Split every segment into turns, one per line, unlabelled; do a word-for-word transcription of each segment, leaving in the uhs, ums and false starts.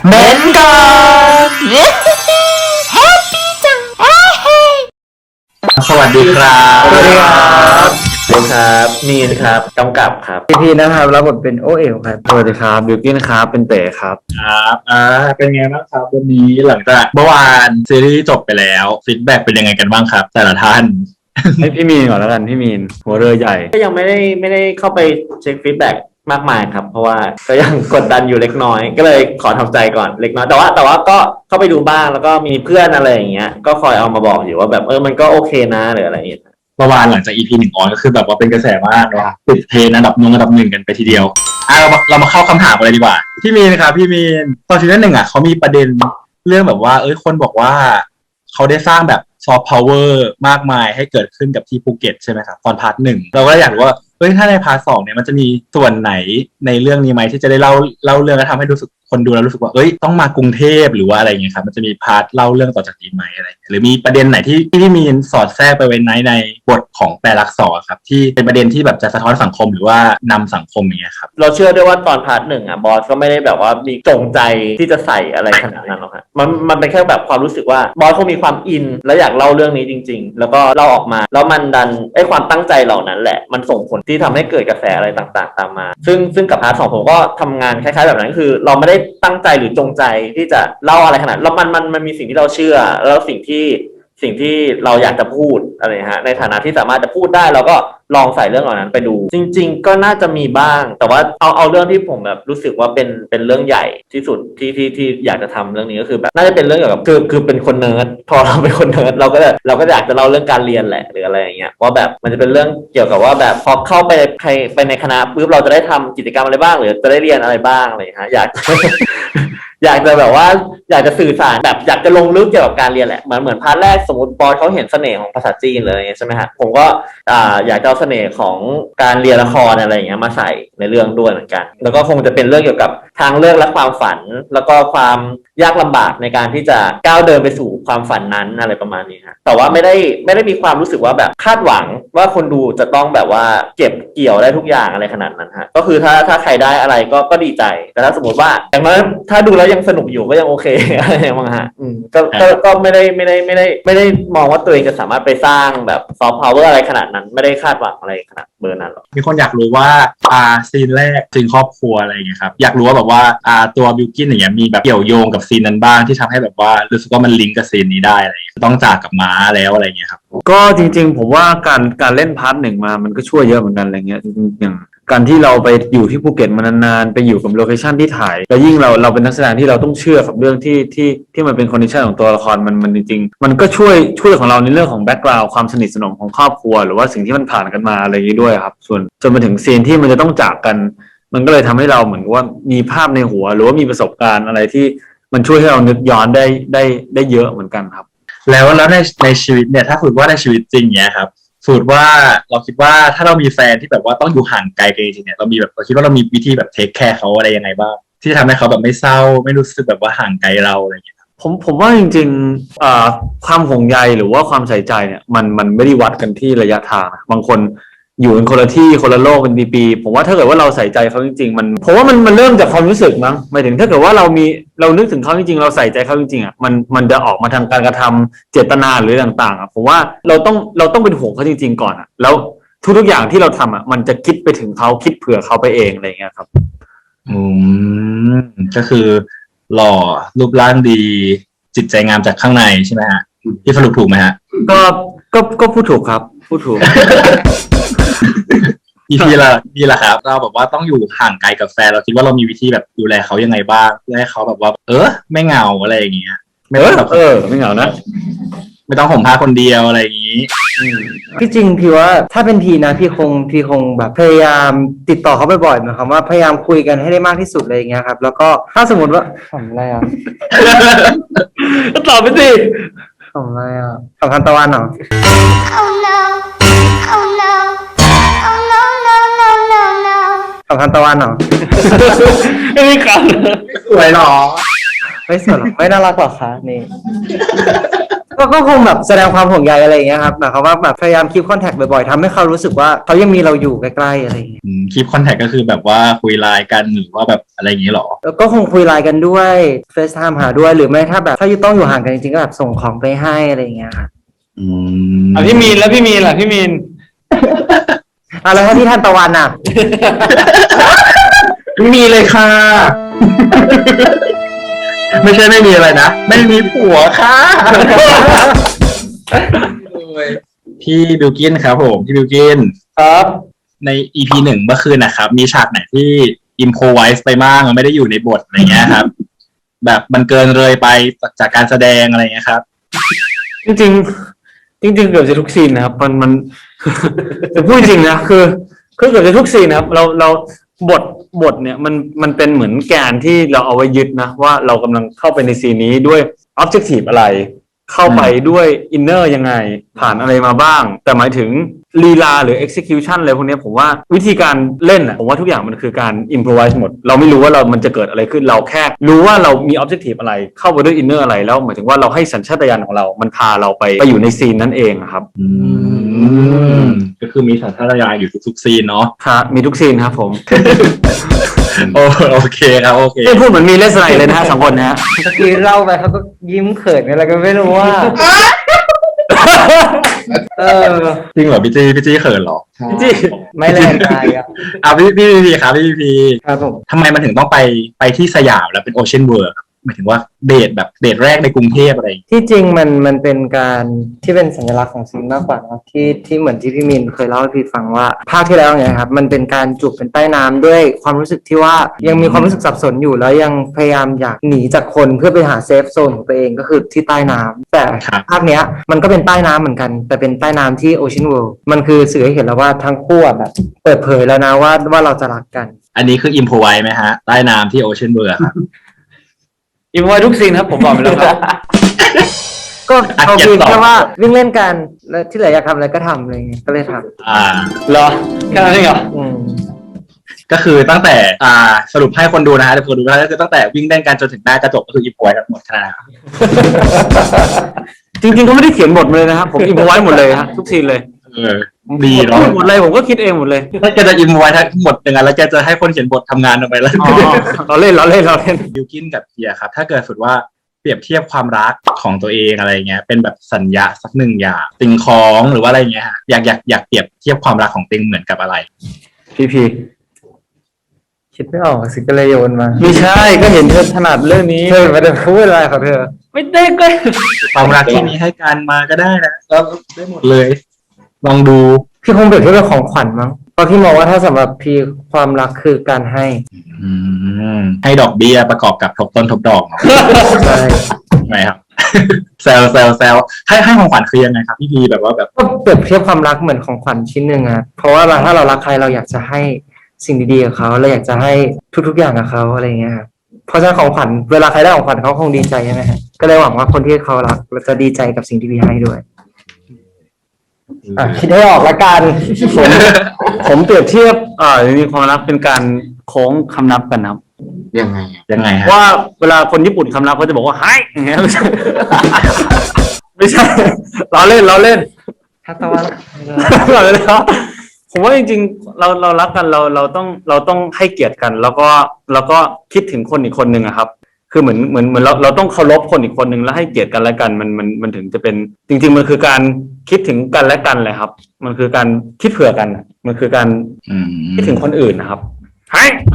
เม้นก่อนแฮปปี้จังสวัสดีครับ
สวัสดีครับ
สวัสดีครับมีนครับกำกับครับ
พีพีนะครับรับบทเป็นโอเอ๋วครับสวัสดีครับบิวกิ้นครับเป็นเต๋ครับ
ครับอ่าเป็นไงบ้างครับวันนี้หลังจากเมื่อวานซีรีส์จบไปแล้วฟีดแบ็กเป็นยังไงกันบ้างครับแต่ละท่าน
ให้พี่มีนก่อนแล้วกันพี่มีนหัวเรือใหญ่
ก็ยังไม่ได้ไม่ได้เข้าไปเช็คฟีดแบ็กมากมายครับเพราะว่าก็ยังกดดันอยู่เล็กน้อยก็เลยขอทำใจก่อนเล็กน้อยแต่ว่าแต่ว่าก็เข้าไปดูบ้างแล้วก็มีเพื่อนอะไรอย่างเงี้ยก็คอยเอามาบอกอยู่ว่าแบบเออมันก็โอเคนะหรืออะไรอย่างเงี้ย
เมื่อวานหลังจาก อี พี หนึ่งออนก็คือแบบว่าเป็นกระแสมากเนาะติดเทรนด์อันดับหนึ่งอันดับหนึ่งกันไปทีเดียวอ่ะเรามาเรามาเข้าคำถามกันเลยดีกว่าพี่มีนครับพี่มีนตอนซีซั่นหนึ่งอ่ะเขามีประเด็นเรื่องแบบว่าเอ้ยคนบอกว่าเขาได้สร้างแบบซอฟต์พาวเวอร์มากมายให้เกิดขึ้นกับที่ภูเก็ตใช่ไหมครับตอนพาร์ทหนึ่งเราก็อยากรู้ว่าเฮ้ยถ้าในพาร์ทสองเนี่ยมันจะมีส่วนไหนในเรื่องนี้ไหมที่จะได้เล่าเล่าเรื่องแล้วทำให้รู้สึกคนดูแล้วรู้สึกว่าเอ้ยต้องมากรุงเทพหรือว่าอะไรอย่างเงี้ยครับมันจะมีพาร์ทเล่าเรื่องต่อจากนี้ไหมอะไรหรือมีประเด็นไหนที่ที่มีสอดแทรกไปไว้ในในบทของแปลลักษณ์ครับที่เป็นประเด็นที่แบบจะสะท้อนสังคมหรือว่านำสังคมอย่างเงี้ยครับ
เราเชื่อด้วยว่าตอนพาร์ทหนึ่งอ่ะบอสก็ไม่ได้แบบว่ามีจงใจที่จะใส่อะไรขนาดนั้นหรอกฮะมันมันเป็นแค่แบบความรู้สึกว่าบอสเขามีความอินและอยากเล่าเรื่องนี้จริงๆแล้วก็เล่าออกมาแล้วมันดันไอ้ความตั้งใจเหล่านั้นแหละมันส่งผลที่ทำให้เกิดกระแสอะไรต่างๆตามมาซึ่งซึ่งกับพาร์ทสองผมก็ทำงานคล้ายๆแบบนั้นคือเราไม่ได้ตั้งใจหรือจงใจที่จะเล่าอะไรขนาดแล้วมันมันมันมีสิ่งที่เราเชื่อแล้วสิ่งที่สิ่งที่เราอยากจะพูดอะไรฮะในฐานะที่สามารถจะพูดได้เราก็ลองใส่เรื่องเหล่านั้นไปดูจริงๆก็น่าจะมีบ้างแต่ว่าเอาเอาเรื่องที่ผมแบบรู้สึกว่าเป็นเป็นเรื่องใหญ่ที่สุดที่ที่ที่อยากจะทำเรื่องนี้ก็คือแบบน่าจะเป็นเรื่องเกี่ยวกับคือคือเป็นคนเนิร์ดพอเราเป็นคนเนิร์ดเราก็เราก็อยากจะเล่าเรื่องการเรียนแหละหรืออะไรอย่างเงี้ยว่าแบบมันจะเป็นเรื่องเกี่ยวกับว่าแบบพอเข้าไปใครไปในคณะปุ๊บเราจะได้ทำกิจกรรมอะไรบ้างหรือจะได้เรียนอะไรบ้างอะไรฮะอยาก อยากจะแบบว่าอยากจะสื่อสารแบบอยากจะลงลึกเกี่ยวกับการเรียนแหละเหมือนเหมือนพาร์ทแรกสมมติบอสเขาเห็นเสน่ห์ของภาษาจีนเลยใช่ไหมฮะผมก็อ่าอยากจะเอาเสน่ห์ของการเรียนละครอะไรอย่างเงี้ยมาใส่ในเรื่องด้วยเหมือนกันแล้วก็คงจะเป็นเรื่องเกี่ยวกับทางเลือกและความฝันแล้วก็ความยากลำบากในการที่จะก้าวเดินไปสู่ความฝันนั้นอะไรประมาณนี้ฮะแต่ว่าไม่ได้ไม่ได้มีความรู้สึกว่าแบบคาดหวังว่าคนดูจะต้องแบบว่าเก็บเกี่ยวได้ทุกอย่างอะไรขนาดนั้นฮะก็คือถ้าถ้าใครได้อะไรก็ก็ดีใจแต่ถ้าสมมติว่าอย่างนั้นถ้าดูแล้วยังสนุกอยู่ก็ยังโอเค อะไรอย่างเงี้ยฮะอืมก็ก็ก็ไม่ได้ไม่ได้ไม่ได้ไม่ได้มองว่าตัวเองจะสามารถไปสร้างแบบซอฟต์พาวเวอร์อะไรขนาดนั้นไม่ได้คาดหวังอะไรขนาดเบอร์นั้นหรอก
มีคนอยากรู้ว่าอ่าซีนแรกซีนครอบครัวอะไรอย่างเงี้ยครับอยากรู้ว่าแบบว่าอ่าตัวบิวกิ้นอย่างเงี้ยมีแบบเกี่ยวโยงกับซีนนั้นบ้างที่ทำให้แบบว่ารู้สึกว่ามันลิงก์กับซีนนี้ได้อะไรอย่างเงี้ยต้องจากกับม้าแล้วอะไรอย่างเงี้ยครับ
ก็จริงๆผมว่าการการเล่นพาร์ทหนึ่งมามันก็ช่วยเยอะเหมือนกันอะไรเงี้ยจริงๆอย่างการที่เราไปอยู่ที่ภูเก็ตมานานๆไปอยู่กับโลเคชั่นที่ถ่ายแล้วยิ่งเราเราเป็นนักแสดงที่เราต้องเชื่อกับเรื่องที่ที่ที่มันเป็นคอนดิชันของตัวละครมันมันจริงๆมันก็ช่วยช่วยของเราในเรื่องของแบ็กกราวด์ความสนิทสนมของครอบครัวหรือว่าสิ่งที่มันผ่านกันมาอะไรอย่างนี้ด้วยครับส่วนจนมาถึงซีนที่มันจะต้องจากกันมันก็เลยทำให้เราเหมือนว่ามีภาพในหัวหรือว่ามีประสบการณ์อะไรที่มันช่วยให้เรานึกย้อนได้ได้ได้เยอะเหมือนกันครับ
แล้วแล้วในในชีวิตเนี่ยถ้าสมมติว่าในชีวิตจริงเนี้ยครับสมมติว่าเราคิดว่าถ้าเรามีแฟนที่แบบว่าต้องอยู่ห่างไกลกันจริงๆเนี่ยเรามีแบบเราคิดว่าเรามีวิธีแบบเทคแคร์เขาอะไรยังไงบ้างที่จะทำให้เขาแบบไม่เศร้าไม่รู้สึกแบบว่าห่างไกลเราอะไรอย่างเงี้ย
ผมผมว่าจริงๆอ่าความห่วงใยหรือว่าความใส่ใจเนี่ยมันมันไม่ได้วัดกันที่ระยะทางบางคนอยู่กันคนละที่คนละโลกเป็นปีๆผมว่าถ้าเกิดว่าเราใส่ใจเขาจริงๆมันผมว่ามันมันเริ่มจากความรู้สึกมั้งหมายถึงถ้าเกิดว่าเรามีเรานึกถึงเขาจริงๆเราใส่ใจเขาจริงๆอ่ะมันมันจะออกมาทางการกระทำเจตนาหรือต่างๆอ่ะผมว่าเราต้องเราต้องเป็นห่วงเขาจริงๆก่อนอ่ะแล้วทุกๆอย่างที่เราทำอ่ะมันจะคิดไปถึงเขาคิดเผื่อเขาไปเองอะไรอย่างเงี้ยครับ
อืมก็คือหล่อรูปร่างดีจิตใจงามจากข้างในใช่ไหมฮะที่สรุปถูกไหมฮะ
ก็ก็ก็พูดถูกครับพูดถูก
อีพีละนี่แหละครับเราแบบว่าต้องอยู่ห่างไกลกับแฟนเราคิดว่าเรามีวิธีแบบดูแลเขายังไงบ้างเพื่อให้เขาแบบว่าเออไม่เหงาอะไรอย่างเงี้ยไม่ต้องแบบ
เออไม่เหงานะ
ไม่ต้องห่มผ้าคนเดียวอะไรอย่างงี้
พี่จริงพี่ว่าถ้าเป็นพี่นะพี่คงพี่คงแบบพยายามติดต่อเขาบ่อยๆหมายความว่าพยายามคุยกันให้ได้มากที่สุดอะไรอย่างเงี้ยครับแล้วก็ถ้าสมมติว่าทำอะไรอ่ะ
ตอบไปสิ
ทำอะไรอ่ะสำคัญตะวันเหรอ
Oh no Oh no Oh no no no no no
สำคัญตะวันเหรอ
ไม่มีกัน
สวยหรอ
ไม่สวยหรอไม่น่ารักหรอคะนี่ก็ก็คงแบบแสดงความห่วงใยอะไรอย่างเงี้ยครับหมายความว่าแบบพยายามคีปคอนแทคบ่อยๆทำให้เขารู้สึกว่าเขายังมีเราอยู่ใกล้ๆอะไรอย่างเงี้ย
คลิปคอนแทคก็คือแบบว่าคุยไลน์กันหรือว่าแบบอะไรอย่างนี้หรอ
แล้วก็คงคุยไลน์กันด้วยเฟซไทม์หาด้วยหรือไม่ถ้าแบบถ้าต้องอยู่ห่างกันจริงๆก็แบบส่งของไปให้อะไรอย่างเงี้ยค่ะ
อืม
อ่ะพี่มีนแล้วพี่มีนล่ะพี่มีน
อ่ะแล้วถ้าที่ท่านตะวันอ่ะ
ไม่มีเลยค่ะ ไม่ใช่ไม่มีอะไรนะ ไม่มีผัวค่ะ พี่บิวกินครับผมพี่บิวกิน
ครับ
ใน อี พี หนึ่งเมื่อคืนนะครับ มีฉากไหนที่อิมโพไวส์ไปบ้างไม่ได้อยู่ในบทอะไรเงี้ยครับ แบบมันเกินเลยไปจากการแสดงอะไรเงี้ยครับ
จริงๆจริง ๆ เกือบจะทุกซีนนะครับมันมัน จะพูดจริงนะคือคือเกือบจะทุกซีนนะครับ เราเราบทบทเนี่ยมันมันเป็นเหมือนแกนที่เราเอาไว้ยึดนะว่าเรากำลังเข้าไปในซีนนี้ด้วย objective อะไร เข้าไปด้วย inner ยังไงผ่านอะไรมาบ้าง แต่หมายถึงลีลาหรือ execution อะไรพวกนี้ผมว่าวิธีการเล่นอ่ะผมว่าทุกอย่างมันคือการ improvise หมด เราไม่รู้ว่าเรามันจะเกิดอะไรขึ้นเราแค่รู้ว่าเรามี objective อะไรเข้าไปด้วย inner อะไรแล้วหมายถึงว่าเราให้สัญชาตญาณของเรามันพาเราไปไปอยู่ในซีนนั่นเองอะครับ
อืมก็คือมีสัญชาตญาณอยู่ทุกๆซีนเนาะ
ครับมีทุกซีนครับผม
โอโอเคครับโอเค
ไม่พูดเหมือนมีเลสไนเลยนะฮะสองคนนะฮะ
เมื่อกี้เล่าไปเขาก็ยิ้มเขินอะไรก็ไม่รู้ว่า เออ
จริงเหรอพี่จีพี่จีเขินเหรอ
จี้
ไม่แรงกายอ่ะ
อ่ะพี่พี่พี่พีครับพี่พี
ครับผม
ทำไมมันถึงต้องไปไปที่สยามแล้วเป็นโอเชียนเวิร์หมายถึงว่าเดทแบบเดทแรกในกรุงเทพอะไรอย่างเงี้ย
ที่จริงมันมันเป็นการที่เป็นสัญลักษณ์ของซีนมากกว่าเนอะที่ที่เหมือนที่พี่มินเคยเล่าให้พี่ฟังว่าภาคที่แล้วเนี่ยครับมันเป็นการจูบเป็นใต้น้ำด้วยความรู้สึกที่ว่ายังมีความรู้สึกสับสนอยู่แล้วยังพยายามอยากหนีจากคนเพื่อไปหาเซฟโซนของตัวเองก็คือที่ใต้น้ำแต่ภาคเนี้ยมันก็เป็นใต้น้ำเหมือนกัน แต่เป็นใต้น้ำที่โอเชียนเวิลด์มันคือสื่อให้เห็นแล้วว่าทั้งคู่อะแบบเปิดเผยแล้วนะว่าว่าเราจะรักกัน
อันนี้คืออิมพอไวไหมฮะใต้น้ำที่โอเชียนเวิร์ครับ
อินไว้ทุกซีนครับผมบอกไปแล้วครับ
ก็
อ่ะ
เอา
เก็บ
คือ
ต่อ
แค่ว่าวิ่งเล่นกันแล้วที่เหลืออยากทำอะไรก็ทำอะไรเงี้ยก็เลยท
อ่า
เหรอแค่นั้นเองเหรอ
ำอืม
ก็คือตั้งแต่อ่าสรุปให้คนดูนะฮะเดี๋ยวคนดูนะก็คือตั้งแต่วิ่งเล่นกันจนถึงหน้ากระจกก็คืออิมพอไวทั้งหมดขนาดนั้น
จริงๆเขาไม่ได้เขียนบทมาเลยนะครับผมอินไว้หมดเลยฮะทุกซีนเลย
เออดีเนาะ
หมดเลยผมก็คิดเองหมดเลย
ถ้าแกจะอิมพอไวทั้งหมดอย่างนั้นแล้วแกจะให้คนเขียนบททำงานออกไปแล้ว
อ๋อเราเล่นเราเล่นเราเล่น
บิวกินกับเฮียครับ ถ้าเกิดสุดว่าเปรียบเทียบความรักของตัวเองอะไรเงี้ย เป็นแบบสัญญาสักหนึ่งอย่างสิ่งของหรือว่าอะไรเงี้ยฮะอยากอยากอยากเปรียบเทียบความรักของติงเหมือนกับอะไร
พีพี
คิดไม่ออกสิก็เลยโยนมา
ไม่ใช่ก็เห็นเธอถนัดเรื่องนี้
เธอไม่ได้พูดอะไรของเธอ
ไม่ได้ก็
ความรักที่มีให้กันมาก็ได้นะก็ได้หมดเลย ลองดู
พี่คงเปรียบเทียบเป็นของขวัญมั้งเพราะพี่มองว่าถ้าสำหรับพี่ความรักคือการให้
อืมให้ดอกเบี้ยประกอบกับทบต้นทบดอกเนาะ
ใช่
ใช่ไหมครับ แซวแซวแซวให้ให้ของขวัญคือยังไงครับพี่พีแบบว่าแบบ
ก็เปรียบเทียบความรักเหมือนของขวัญชิ้นหนึ่งอะเพราะว่าเราถ้าเรารักใครเราอยากจะให้สิ่งดีๆกับเขาเราอยากจะให้ทุกๆอย่างกับเขาอะไรอย่างเงี้ยครับเพราะฉะนั้นของขวัญเวลาใครได้ของขวัญเขาคงดีใจใช่ไหมฮะก็เลยหวังว่าคนที่เขารักจะดีใจกับสิ่งที่พี่ให้ด้วยอ่ะคิดให้ออกละกัน
ผมผมเปรียบเทียบอ่าจริงๆความรักเป็นการโค้งคำนับกันนะครับ
ยังไงยังไงฮะ
ว่าเวลาคนญี่ปุ่นคำนับเขาจะบอกว่าไฮอย่างเงี้ยไม่ใช่ ไม่ใช่เราเล่นเราเล่น
ทักตะวัน
เราเล่นครับผมว่าจริงๆเราเรารักกันเราเราต้องเราต้องให้เกียรติกัน แล้วก็แล้วก็คิดถึงคนอีกคนหนึ่งอะครับ คือเหมือนเหมือนเหมือนเราเราต้องเคารพคนอีกคนหนึ่งแล้วให้เกียรติกันและกันมันมันมันถึงจะเป็นจริง ๆ มันคือการคิดถึงกันและกันเลยครับ มันคือการคิดเผื่อกันอะมันคือการ
อืม
คิดถึงคนอื่นนะครับไฮ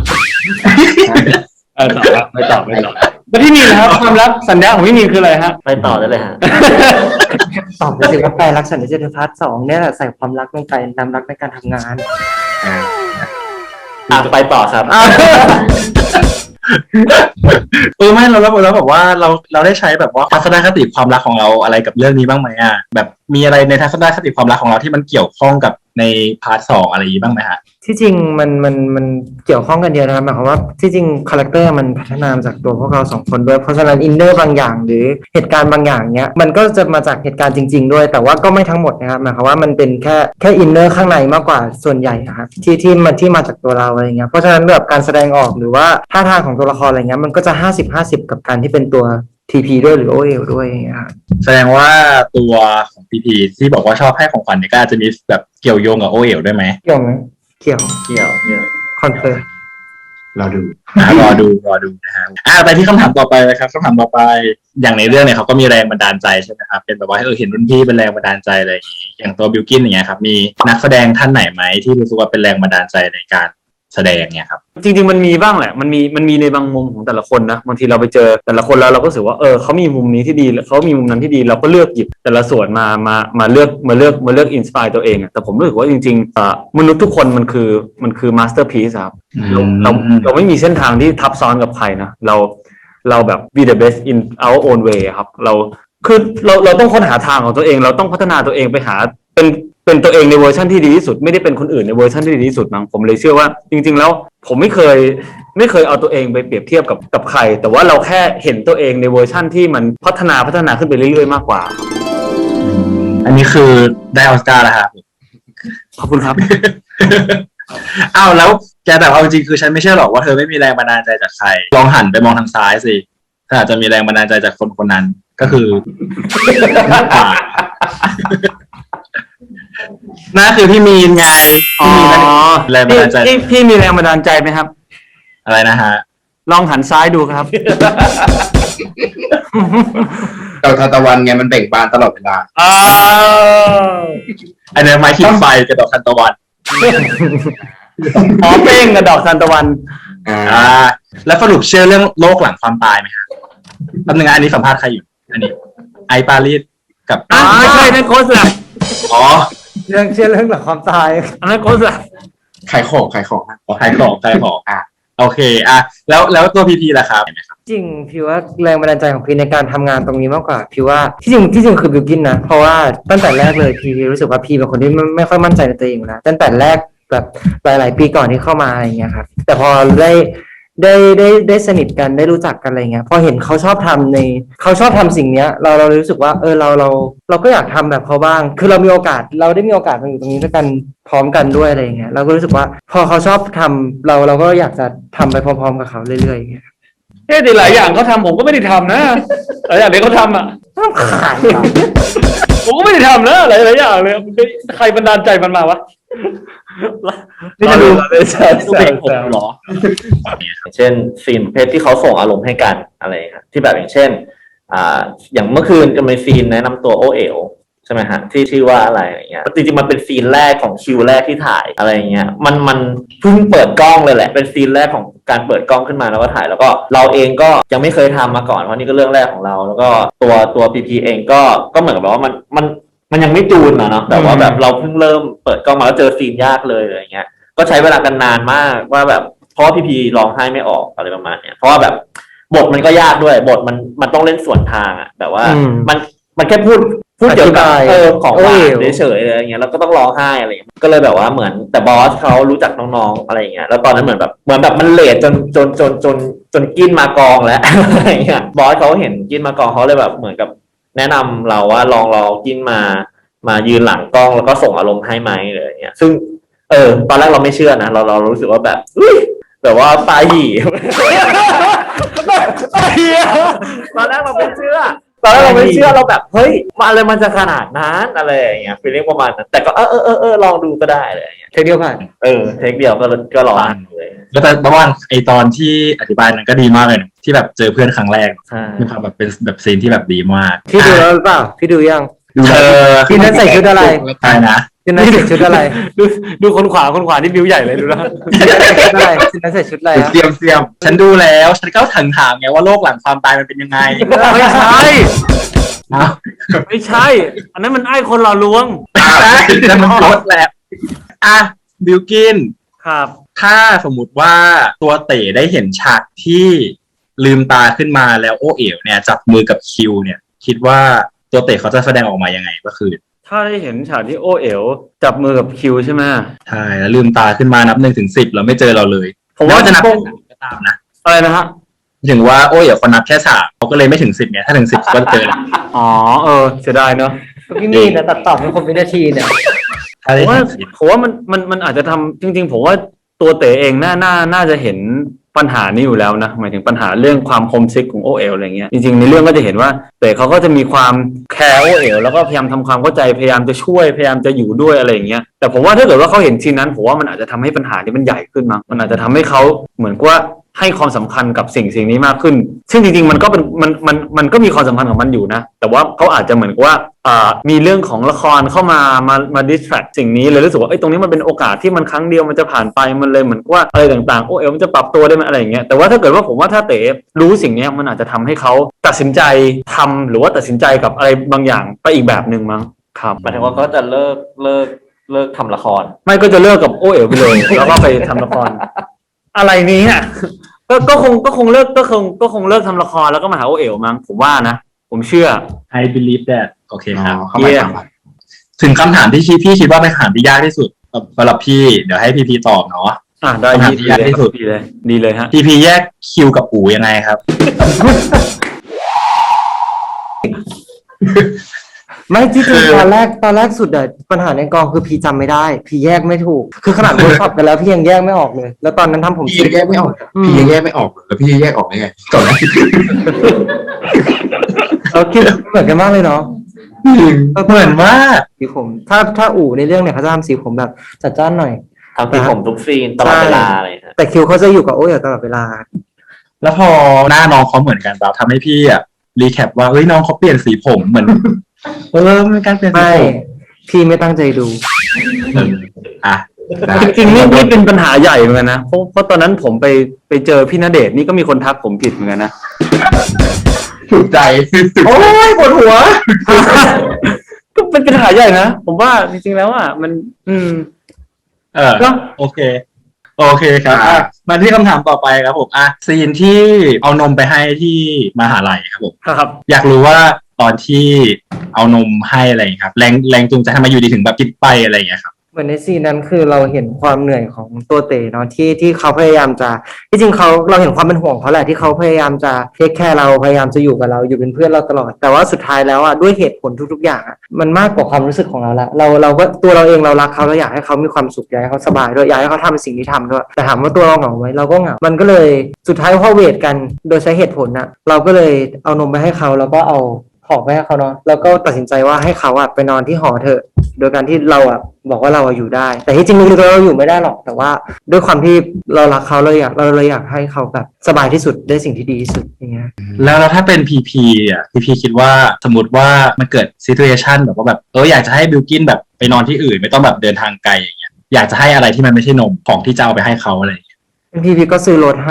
เออต่อครับไม่ตอบไม่ตอบแล้วพี่มีนนะครับความรักสัญญาของพี่มีนคืออะไรฮะ
ไปต่อได้เลยฮะ
ตอบไปสิว่าแปลรักฉันในเจตพาร์ทสองเนี่ยแหละใส่ความรักลงไปนำรักในการทำงาน
อ่ะไปต่อครับ
เออไม่เราแล้วแล้วแบบว่าเราเราได้ใช้แบบว่าทัศนคติความรักของเราอะไรกับเรื่องนี้บ้างไหมอ่ะแบบมีอะไรในทัศนคติความรักของเราที่มันเกี่ยวข้องกับในพาร์ทสองอะไรอย่างนี้บ้างไหมฮะ
ที่จริงมันมันมันเกี่ยวข้องกันเดียวนะครับหมายความว่าที่จริงคาแรคเตอร์มันพัฒนามาจากตัวพวกเราสองคนด้วยเพราะฉะนั้นอินเนอร์บางอย่างหรือเหตุการณ์บางอย่างเนี้ยมันก็จะมาจากเหตุการณ์จริง ๆ ด้วย แต่ว่าก็ไม่ทั้งหมดนะครับหมายความว่ามันเป็นแค่แค่อินเนอร์ข้างในมากกว่าส่วนใหญ่อะครับที่ที่มันที่มาจากตัวเราอะไรเงี้ยเพราะฉะนั้นแบบการแสดงออกหรือว่าท่าทางของตัวละครอะไรเงี้ยมันก็จะห้าสิบห้าสิบกับการที่เป็นตัวที พี ด้วยหรือ โอ เอล ด้วยอย่างเงี้ยครับ
แสดงว่าตัวของพีพีที่บอกว่าชอบให้ของขวัญเนี่ยก็อาจจะมีแบบเกี่ยวโยงกับโอเอ๋วด้วยไหม
เกี่ยวไหมเกี่ยว
เกี่ยวเกี่ยว
คอนเฟิร์ม
เราดู
อ่ะรอดูรอดูนะฮะอ่าไปที่คำถามต่อไปเลยครับคำถามต่อไปอย่างในเรื่องเนี่ยเขาก็มีแรงบันดาลใจใช่ไหมครับเป็นแบบว่าเออเห็นรุ่นพี่เป็นแรงบันดาลใจอะไรอย่างงี้อย่างตัวบิลกินอย่างเงี้ยครับมีนักแสดงท่านไหนไหมที่รู้สึกว่าเป็นแรงบันดาลใจในการแสดงเนี่ยครับ
จริงๆมันมีบ้างแหละมันมีมันมีในบางมุมของแต่ละคนนะบางทีเราไปเจอแต่ละคนแล้วเราก็รู้สึกว่าเออเขามีมุมนี้ที่ดีเขามีมุมนั้นที่ดีเราก็เลือกหยิบแต่ละส่วนมามามาเลือกมาเลือกมาเลือกอินสปายตัวเองอะแต่ผมรู้สึกว่าจริงๆเอ่อมนุษย์ทุกคนมันคือมันคือมาสเตอร์พีซครับเราเราเราไม่มีเส้นทางที่ทับซ้อนกับใครนะเราเราแบบ be the best in our own way ครับเราคือเราเราต้องค้นหาทางของตัวเองเราต้องพัฒนาตัวเองไปหาเป็นเป็นตัวเองในเวอร์ชันที่ดีที่สุดไม่ได้เป็นคนอื่นในเวอร์ชันที่ดีที่สุดมั้งผมเลยเชื่อว่าจริงๆแล้วผมไม่เคยไม่เคยเอาตัวเองไปเปรียบเทียบกับกับใครแต่ว่าเราแค่เห็นตัวเองในเวอร์ชันที่มันพัฒนาพัฒนาขึ้นไปเรื่อยๆมากกว่า
อันนี้คือได้ออสการ์แล้วครับ
ขอบคุณครับ
อ้าวแล้วแกแต่เอาจริงๆคือฉันไม่เชื่อหรอกว่าเธอไม่มีแรงบันดาลใจจากใครลองหันไปมองทางซ้ายสิถ้าอาจจะมีแรงบันดาลใจจากคนคนนั้นก็คือ นั่นคือพี่มีนไง
อ๋อ
พี่มีนแรงบันดาลใจ
พี่พี่มีแรงบันดาลใจไหมครับ
อะไรนะฮะ
ลองหันซ้ายดูครับ
ดอกทานตะวันไงมันเบ่งบานตลอดเวลา
อ้าว
อันนี้ไม้ขีดไฟกับดอกทานตะวัน
อ๋อเป้งกับดอกทานตะวัน
อ่า
อ่า แล้วสรุปเชื่อเรื่องโลกหลังความตายไหมครับแป๊บนึงนะอันนี้สัมภาษณ์ใครอยู่ อันนี้ ไอปารีสกับ
อ่าไม่ใช่นั่นโค้ชแหละ
อ๋อ
เรื่องเชื่อเรื่องหลังความตาย
อันนั้นโค้ชแหละ
ขายของขายของนะ
ขอขายของขายของ
อ่ะ
โอเค อ่ะ แล้วแล้วตัวพีพีล่ะครับเห็นไหมครับ
จริงพี่ว่าแรงบันดาลใจของพี่ในการทำงานตรงนี้มากกว่าพี่ว่าที่จริงที่จริงคือบิวกินนะเพราะว่าตั้งแต่แรกเลยพี่รู้สึกว่าพี่เป็นคนที่ไม่ไม่ค่อยมั่นใจในตัวเองอยู่แล้วตั้งแต่แรกแบบหลาย ๆ ปีก่อนที่เข้ามาอะไรอย่างเงี้ยครับแต่พอได้ได้ได้ได้สนิทกันได้รู้จักกันอะไรเงี้ยพอเห็นเขาชอบทำในเขาชอบทำสิ่งเนี้ย เราเรารู้สึกว่าเออเราเราเราก็อยากทำแบบเขาบ้าง คือเรามีโอกาสเราได้มีโอกาสมาอยู่ตรงนี้ด้วยกันพร้อมกันด้วยอะไรอย่างเงี้ยเราก็รู้สึกว่าพอเขาชอบทำเราเราก็อยากจะทำไปพร้อมๆกับเขาเรื่อยๆอย่างเงี้ย
เฮ้ยแต่หลายอย่างเขาทำผมก็ไม่ได้ทำนะหลายอย่างที่เขาทำอ่ะ
ต้องขายเหรอ
ผมก็ไม่ได้ทำนะหลายหลายอย่างเลยใครบันดาลใจมันมาวะ
นี่จะดู
แซว
ดูเพลงผมเหรอ อย่างเช่นซีนประเภทที่เขาส่งอารมณ์ให้กันอะไรครับที่แบบอย่างเช่น อ่า อย่างเมื่อคืนจะมีซีนแนะนำตัวโอเอ๋วใช่ไหมฮะที่ชื่อว่าอะไรอย่างเงี้ยจริงๆมันเป็นซีนแรกของคิวแรกที่ถ่ายอะไรอย่างเงี้ยมันมันเพิ่งเปิดกล้องเลยแหละเป็นซีนแรกของการเปิดกล้องขึ้นมาแล้วก็ถ่ายแล้วก็เราเองก็ยังไม่เคยทำมาก่อนเพราะนี่ก็เรื่องแรกของเรา แล้วก็ตัวตัวพีพีเองก็ก็เหมือนกับว่ามันมันมันยังไม่จูนอะเนาะแต่ว่าแบบเราเพิ่งเริ่มเปิดกล้องมาแล้วเจอซีนยากเลยอะไรเงี้ยก็ใช้เวลากันนานมากว่าแบบเพราะว่าพีพีร้องไห้ไม่ออกอะไรประมาณเนี้ยเพราะว่าแบบบทมันก็ยากด้วยบทมันมันต้องเล่นส่วนทางอะแบบว่า
อืม
มันมันแค่พูดพูดเกี่ยวกับ
อธิบาย
เออของหวา
โอ้
น
ย
เฉยๆอะไรอย่างเงี้ยแล้วก็ต้องร้องไห้อะไรอย่างเงี้ยก็เลยแบบว่าเหมือนแต่บอสเขารู้จักน้องๆอะไรอย่างเงี้ยแล้วตอนนั้นเหมือนแบบเหมือนแบบมันเลทจนจนจนจนจนกินมากองแล้ว อะไรอย่างเงี้ยบอสเขาเห็นกินมากองเขาเลยแบบเหมือนกับแนะนำเราว่าลองลองกินมามายืนหลังกล้องแล้วก็ส่งอารมณ์ให้ไหมอะไรอย่างเงี้ยซึ่งเออตอนแรกเราไม่เชื่อนะเราเรารู้สึกว่าแบบอุ๊ยแบบว่าตาหยี ตอนแรกเราไม่เชื่อ ตอนแรกเราไม่เชื่อเราแบบเฮ้ยมาอะไรมันจะขนาดนั้นอะไรอย่างเงี้ยฟีลลิ่งประมาณนั้นแต่ก็เออเออเออเออลองดูก็ได้อะไรอย่างเงี้ย
เทคเดียวผ่าน
เออเทคเดียวก็ก็ลองเลย
แล้วแต่ระหว่างไอตอนที่อธิบายนั้นก็ดีมากเลยนะที่แบบเจอเพื่อนครั้งแรก
ใช่
มีความแบบเป็นแบบซีนที่แบบดีมาก
พี่ดูแล้วหรือเปล่าพี่ดูยัง
เธอ
พี่นั้นใส่ชุดอะไร
ใช่นะ
พี่นั้นใส่ชุดอะไร
ดูดูคนขวาคนขวานี่บิวใหญ่เลยดูนะ
พี่นั้นใส่ชุดอะไรพี่นั้นใส่ชุดอะไรอะ
เสียมเสียมฉันดูแล้วฉันก็ถึงถามไงว่าโลกหลังความตายมันเป็นยังไง
ไม่ใช่
อ้าว
ไม่ใช่ อันนั้นมันไอ้คนหล่อลวง
แล้วมันลดแล้วอ่ะบิวกิน
ครับ
ถ้าสมมุติว่าตัวเต๋ได้เห็นฉากที่ลืมตาขึ้นมาแล้วโอเอ๋วเนี่ยจับมือกับคิวเนี่ย คิดว่าตัวเต๋เขาจะแสดงออกมายังไงก็คือ
ถ้าได้เห็นฉากที่โอเอ๋วจับมือกับคิวใช่ไหม
ใช่แล้วลืมตาขึ้นมานับหนึ่งถึงสิบแล้วไม่เจอเราเลย
ผมว่า
ไจะนับ
ค
แค่
ง
สามก็ตามนะ
อะไรนะฮะ
ถึงว่าโอ้ยเดี๋ยวคนนับแค่สามเขาก็เลยไม่ถึงสิบไงถ้าถึงสิบก็เจอแล้ว
อ๋อเออเสียดายเนาะ
พี่มีนะตัดต่อเป็นคนวินาทีเนี่ย
ถ้า
ผ
ได้
มว่า
ถึงสิบ
ผมว่ามันมันมันอาจจะทำจริง ๆ ผมว่าตัวเต๋เองน่าน่าน่าจะเห็นปัญหานี้อยู่แล้วนะหมายถึงปัญหาเรื่องความโฮมซิกของโอเอลอะไรเงี้ยจริงๆในเรื่องก็จะเห็นว่าเต๋เขาก็จะมีความแคร์โอเอลแล้วก็พยายามทำความเข้าใจพยายามจะช่วยพยายามจะอยู่ด้วยอะไรอย่างเงี้ยแต่ผมว่าถ้าเกิดว่าเขาเห็นซีนนั้นผมว่ามันอาจจะทำให้ปัญหานี้มันใหญ่ขึ้นมั้งมันอาจจะทำให้เขาเหมือนกับว่าให้ความสำคัญกับสิ่งสิ่งนี้มากขึ้นซึ่งจริงๆมันก็เป็นมันมันมันก็มีความสำคัญของมันอยู่นะแต่ว่าเขาอาจจะเหมือนกับว่าอ่ามีเรื่องของละครเข้ามามามาดิสแทรกสิ่งนี้เลยรู้สึกว่าไอ้ยตรงนี้มันเป็นโอกาสที่มันครั้งเดียวมันจะผ่านไปมันเลยเหมือนกับว่าอะไรต่างๆโอ้เอลมันจะปรับตัวได้ไหมอะไรอย่างเงี้ยแต่ว่าถ้าเกิดว่าผมว่าถ้าเต๋รู้สิ่งนี้มันอาจจะทำให้เขาตัดสินใจทำหรือว่าตัดสินใจกับอะไรบางอย่างไปอีกแบบหนึ่งมั้งครับ
หมายถึงว่าก็จะเลิกเลิกเลิกทำละคร
ไม่ก็จะเลิกกับโอเอลไปเลย แล้วก็ไปทำละคร อะไรนี้อ่ะก็ก็คงก็คงเลิกก็คงก็คงเลิกทำละครแล้วก็มาหาโอเอลมั้งผมว่านะผมเชื่อ
I believe that โอเคครับ
เข้ามา
Yeah
สัมผัส
ถึงคำถามที่พี่คิดว่าเป็นคำถามที่ยากที่สุดสำหรับพี่เดี๋ยวให้พีพีตอบเนาะ
อ่ะได้
คำถาม
ดี
ที่
ดี
ยาก
เลย
ที่สุด
ดีเลยดีเลยฮะ
พีพีแยกคิวกับอูยังไงครับ
ไม่ที่จริงตอนแรกตอนแรกสุดอะปัญหาในกองคือพี่จำไม่ได้ พี่แยกไม่ถูก คือขนาดเวิร์กช็อปกันแล้วพี่ยังแยกไม่ออกเลย แล้วตอนนั้นทำผม
พี่ยังแยกไม่ออก พี่ยังแยกไม่ออกเลยแล้วพี่จะแยกออกได้ไงก่อนแรก
เราคิดเหมือนกันมากเลยเนาะ
เหมือนว่า
สีผม ถ้าถ้าอู่ในเรื่องเนี่ยเขาจะทำสีผมแบบจัดจ้านหน่อย
ทำที่ผมทุกซีนตลอดเวลาอะไรอย่างเงี้ย
แต่คิวเขาจะอยู่กับโอ้ยตลอดเวลา
แล้วพอหน้าน้องเขาเหมือนกันเราทำให้พี่อ่ะรีแคปว่าเฮ้ยน้องเขาเปลี่ยนสีผมเหมือนเออมันเป็นการเปลี่ยนสี
ไม่
ผม
พี่ไม่ตั้งใจดู
เอออ่ะได้
จริงๆนี่นี่เป็นปัญหาใหญ่เหมือนกันนะเพราะเพราะตอนนั้นผมไปไปเจอพี่ณเดชน์นี่ก็มีคนทักผมผิดเหมือนกันนะ
ถูกใจ
โอ้ยปวดหัว ก็เป็นปัญหาใหญ่นะผมว่าจริงๆแล้วอ่ะมัน อืม
เออ
ก็
โอเค โอเคครับอ่ะมาที่คำถามต่อไปครับผมอ่ะซีนที่เอานมไปให้ที่มหาลัยครับผม
ครับ
อยากรู้ว่าตอนที่เอานมให้อะไรอย่างเงี้ยครับแรงแรงจูงใจทำไมอยู่ดีถึงแบบคิดไปอะไรอย่างเงี้ยครับ
เหมือนในซีนนั้นคือเราเห็นความเหนื่อยของตัวเต๋เนาะที่ที่เขาพยายามจะที่จริงเขาเราเห็นความเป็นห่วงเขาแหละที่เขาพยายามจะเทคแคร์เราพยายามจะอยู่กับเราอยู่เป็นเพื่อนเราตลอด แต่ว่าสุดท้ายแล้วอ่ะด้วยเหตุผลทุกๆอย่างอ่ะมันมากกว่าความรู้สึกของเราละเราเราก็ตัวเราเองเรารักเขาเราอยากให้เขามีความสุขอยากให้เขาสบายด้วยอยากให้เขาทำสิ่งที่ทำด้วยแต่ถามว่าตัวเราเหงาไหมเราก็เหงามันก็เลยสุดท้ายพอเวทกันโดยใช้เหตุผลน่ะเราก็เลยเอานมไปให้เขาแล้วก็เอาของไปให้เขาเนาะแล้วก็ตัดสินใจว่าให้เขาอะไปนอนที่หอเถอะโดยการที่เราอะบอกว่าเราอะอยู่ได้ แต่ที่จริงลึกๆเราอยู่ไม่ได้หรอกแต่ว่าด้วยความที่เรารักเขาเราอยากเราเลยอยากให้เขาแบบสบายที่สุดได้สิ่งที่ดีที่สุดอย่างเงี้ย
แล้วแล้วถ้าเป็นพีพีอ่ะพีพีคิดว่าสมมติว่ามันเกิดซีทูเอชันแบบว่าแบบเอออยากจะให้บิลกินแบบไปนอนที่อื่นไม่ต้องแบบเดินทางไกลอย่างเงี้ยอยากจะให้อะไรที่มันไม่ใช่นมของที่จะเอาไปให้เขาอะไรอย่างเงี้ย
พี่พี่ก็ซื้อรถให้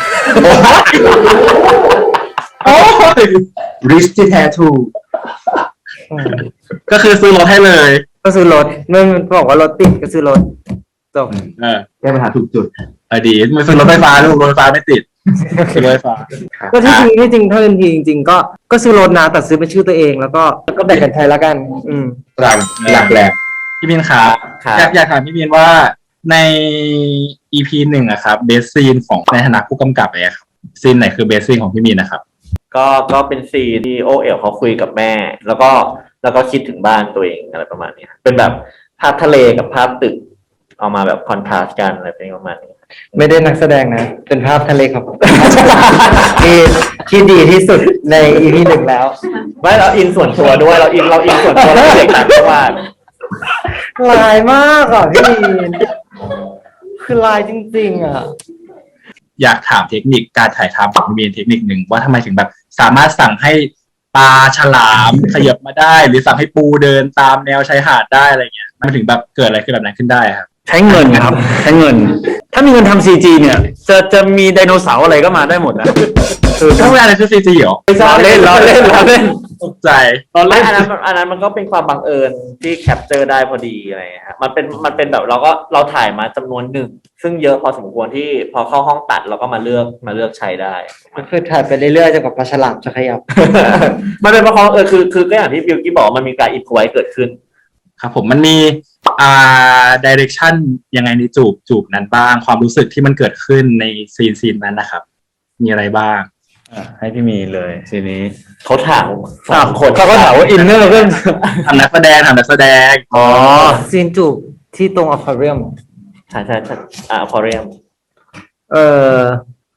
โอ้ย
ริสที่แท้ถูก
อืม
ก็คือซื้อรถให้เลย
ก็ซื้อรถเมื่อมันบอกว่ารถติดก็ซื้อรถจบ
เออ
แก้ปัญหาถูกจุด
เออดีไม่ซื้อรถไฟฟ้าลูกรถไฟฟ้าไม่ติดซื้อรถไฟฟ้า
ก็ที่จริงที่จริงถ้าเป็นทีจริงๆก็ก็ซื้อรถนะแต่ซื้อเป็นชื่อตัวเองแล้วก็แล้วก็แบ่งกันใช้ละกัน อืม
หลักหลักแหลม
พี่บินครับ
ครับ
อยากอยากถามพี่บินว่าใน อี พี หนึ่งอะครับเบสซีนของในฐานะผู้กำกับเนี่ยครับซีนไหนคือเบสซีนของพี่บินนะครับ
ก็ก็เป็นซีนที่โอเอ๋วเขาคุยกับแม่ แล้วก็แล้วก็คิดถึงบ้านตัวเองอะไรประมาณนี้เป็นแบบภาพทะเลกับภาพตึกเอามาแบบคอนทราสต์กันอะไรประมาณนี้
ไม่ได้นักแสดงนะ เป็นภาพทะเลครับ ที่ที่ดีที่สุดใน อี พี หนึ่งแล้ว
ไม่เราอินส่วนตัวด้วยเราอินเราอินส่วนตัวเราเด็กต่างจังหวัด
ลายมากอ่ะพี่มีนคือลายจริงๆอ่ะ
อยากถามเทคนิคการถ่ายทำของพี่บินเทคนิคหนึ่งว่าทำไมถึงแบบสามารถสั่งให้ปลาฉลามขยับมาได้ หรือสั่งให้ปูเดินตามแนวชายหาดได้อะไรเงี้ยมันถึงแบบเกิดอะไรขึ้นแบบนั้นขึ้นได้ครับ
ใช้เงินครับ ใช้เงิน ถ้ามีเงินทำซีจีเนี่ย จะจะมีไดโนเสาร์อะไรก็มาได้หมดนะคือ
ถ้าเวลาอะไรคือซีจีเหรอ
ล้อเล่นล้อเล่นล้อเล่น
ตกใจ
ล้อ
ไม่
เล่น
อันนั้นอันนั้นมันก็เป็นความบังเอิญที่แคปเจอร์ได้พอดีอะไรอย่างเงี้ยฮะมันเป็นมันเป็นแบบเราก็เราถ่ายมาจำนวนหนึ่ง ซึ่งเยอะพอสมควรที่พอเข้าห้องตัดเราก็มาเลือกมาเลือกใช้ได้
มันคือถ่ายไปเรื่อยๆจนกว่าปลาฉลามจะขยับ
มันเป็นเพราะเขาเออคือคือก็อย่างที่บิวกี้บอกมันมีการอินพไว้เกิดขึ้น
ครับผมมันมีอ่าดิเรกชันยังไงในจูบจูบนั้นบ้าง ความรู้สึกที่มันเกิดขึ้นในซีนซีนนั้นนะครับ มีอะไรบ้าง
อ่ะให้พี่มีเลยทีนี้
เขาถามสามคน
เขาก็ถามว่าอินเนอร์เรื่อง
ทำนักแสดงทำนักแสดง
อ๋อ
ซีนจูบที่ตรงอควาเรียม
ใช่ใช่ใช่อ่าพอเรียม
เออ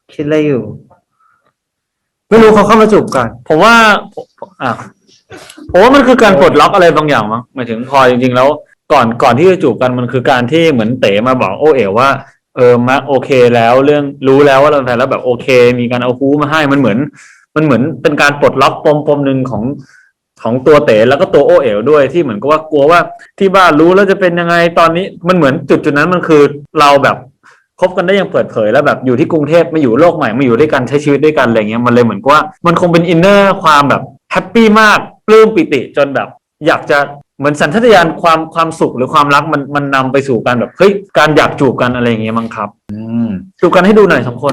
คิดอะไรอยู่ ไม่รู้เขาเข้ามาจูบก่อน
ผมว่าผมอ่ะผมว่ามันคือการปลดล็อกอะไรบางอย่างมั้งหมายถึงพอจริงๆแล้วก่อนก่อนที่จะจูบกันมันคือการที่เหมือนเต๋มาบอกโอเอ๋ว่าเออมาโอเคแล้วเรื่องรู้แล้วว่าเราเป็นแฟนแล้วแบบโอเค มีการเอาฮู้มาให้มันเหมือน มันเหมือนเป็นการปลดล็อกปมปมหนึ่งของของตัวเต๋แล้วก็ตัวโอเอ๋วด้วยที่เหมือนกับว่ากลัวว่าที่บ้านรู้แล้วจะเป็นยังไงตอนนี้มันเหมือนจุดจุดนั้นมันคือเราแบบคบกันได้อย่างเปิดเผยแล้วแบบอยู่ที่กรุงเทพมาอยู่โลกใหม่มาอยู่ด้วยกันใช้ชีวิตด้วยกันอะไรเงี้ยมันเลยเหมือนกับว่ามันคงเป็นอินเนอร์ความแบบแฮปปี้มากปลื้มปิติจนแบบอยากจะเหมือนสัญชาตญาณความความสุขหรือความรักมันมันนำไปสู่การแบบเฮ้ยการอยากจูบกันอะไรอย่างเงี้ยมั้งครับ
อืม
จูบกันให้ดูหน่อยสองคน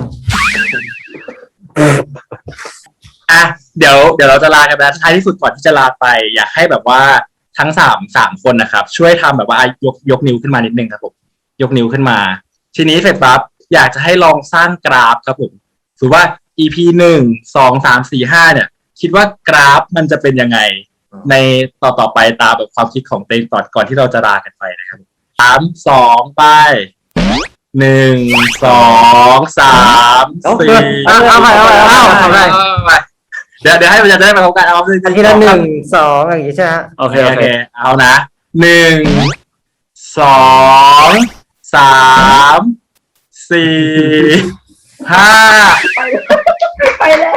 อ่ะเดี๋ยวเดี๋ยวเราจะลากันแล้วท้ายที่สุดก่อนที่จะลาไป อยากให้แบบว่าทั้งสามสามคนนะครับ ช่วยทำแบบว่าอ่ะยกยกนิ้วขึ้นมานิดนึงครับผมยกนิ้วขึ้นมา ทีนี้เสร็จปั๊บอยากจะให้ลองสร้างกราฟครับผมถือว่า อี พี หนึ่ง สอง สาม สี่ ห้าเนี่ย คิดว่ากราฟมันจะเป็นยังไง ในต่อต่อไปตามแบบความคิดของเต้ก่อนก่อนที่เราจะลากันไปนะครับสามสองไปหนึ่งสองสามสี่
เอาเอาใหม่เอาใหม่เอาใหม่เอาใหม่
เอาใหม่เดี๋ยวเดี๋ยวให้มันจะได้ไปพบกันเอาหนึ่ง
อันทีละหนึ่งสองอย่างงี้ใช่ไหมฮะ
โอ
โอ
เค
เค
โอ
โอ
เค
เคเอานะหนึ่งสองสามสี่ห้าไปแล้ว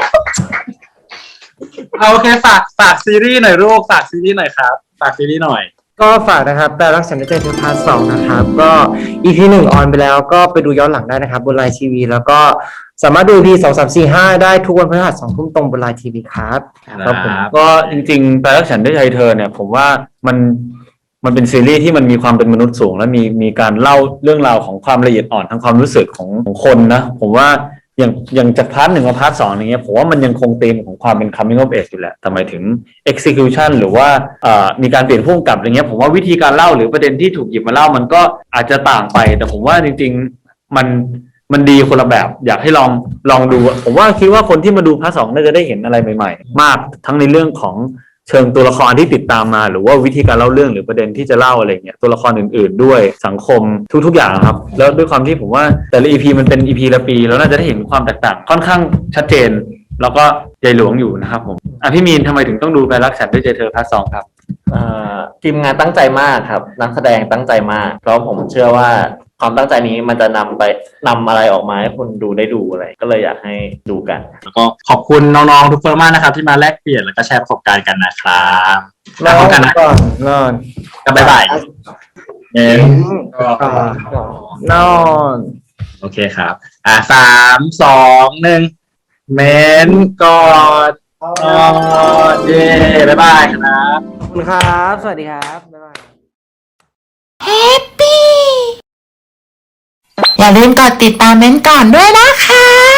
เอาโอเคฝากฝากซีรีส์หน่อยลูกฝากซีรีส์หน่อยครับฝากซีรีส์หน่อย
ก็ฝากนะครับแปลรักฉันได้ใจเธอพาร์ทสองนะครับ ก็ อี พี หนึ่งออนไปแล้วก็ไปดูย้อนหลังได้นะครับบนไลน์ทีวีแล้วก็สามารถดู อี พี สอง สาม สี่ ห้าได้ทุกวันพฤหัสสองทุ่มตรงบนไลน์ทีวีครับ
ครับผมก็จริงๆแปลรักฉันด้วยใจเธอเนี่ย ผมว่ามันมันเป็นซีรีส์ที่มันมีความเป็นมนุษย์สูง และมีมีการเล่าเรื่องราวของความละเอียดอ่อนทางความรู้สึกของของคนนะ ผมว่าอย่างอย่างจากพาร์ทหนึ่งกับพาร์ทสองอย่างเงี้ยผมว่ามันยังคงธีมของความเป็น coming of age อยู่แหละแต่หมายถึง execution หรือว่าเอ่อมีการเปลี่ยนผู้กำกับอะไรเงี้ยผมว่าวิธีการเล่าหรือประเด็นที่ถูกหยิบมาเล่ามันก็อาจจะต่างไป แต่ผมว่าจริงๆมันมันดีคนละแบบอยากให้ลองลองดูผมว่าคิดว่าคนที่มาดูพาร์ทสองน่าจะได้เห็นอะไรใหม่ๆมากทั้งในเรื่องของเชิงตัวละครที่ติดตามมาหรือว่าวิธีการเล่าเรื่องหรือประเด็นที่จะเล่าอะไรเงี้ยตัวละครอื่นๆด้วยสังคมทุกๆอย่างครับแล้วด้วยความที่ผมว่าแต่ละ อี พี มันเป็น อี พี ละปีแล้วน่าจะได้เห็นความแตกต่างค่อนข้างชัดเจนแล้วก็ใหญ่หลวงอยู่นะครับผมอ่ะพี่มีนทำไมถึงต้องดูแปลรักฉันด้วยใจเธอพาร์ทสองครับ
เอ่อทีมงานตั้งใจมากครับ นักแสดงตั้งใจมากเพราะผมเชื่อว่าความตั้งใจนี้มันจะนำไปนำอะไรออกมาให้คนดูได้ดูอะไร ก็เลยอยากให้ดูกัน
แล้วก็ขอบคุณน้องๆทุกคนมากนะครับ ที่มาแลกเปลี่ยนแล้วก็แชร์ประสบการณ์กันนะครับ
น
แล้วพบ
อ
กัน
น
นะ
ก่อนนอน
กันบ๊ายบายเอ็ม
ก่อนนอน
โอเคครับ อ่าสามสองหนึ่งเมนกอดนอนเย่บ๊ายบายครับ
ขอบคุณครับ สวัสดีครับบ๊ายบาย
อย่าลืมกดติดตามเม้นท์ก่อนด้วยนะคะ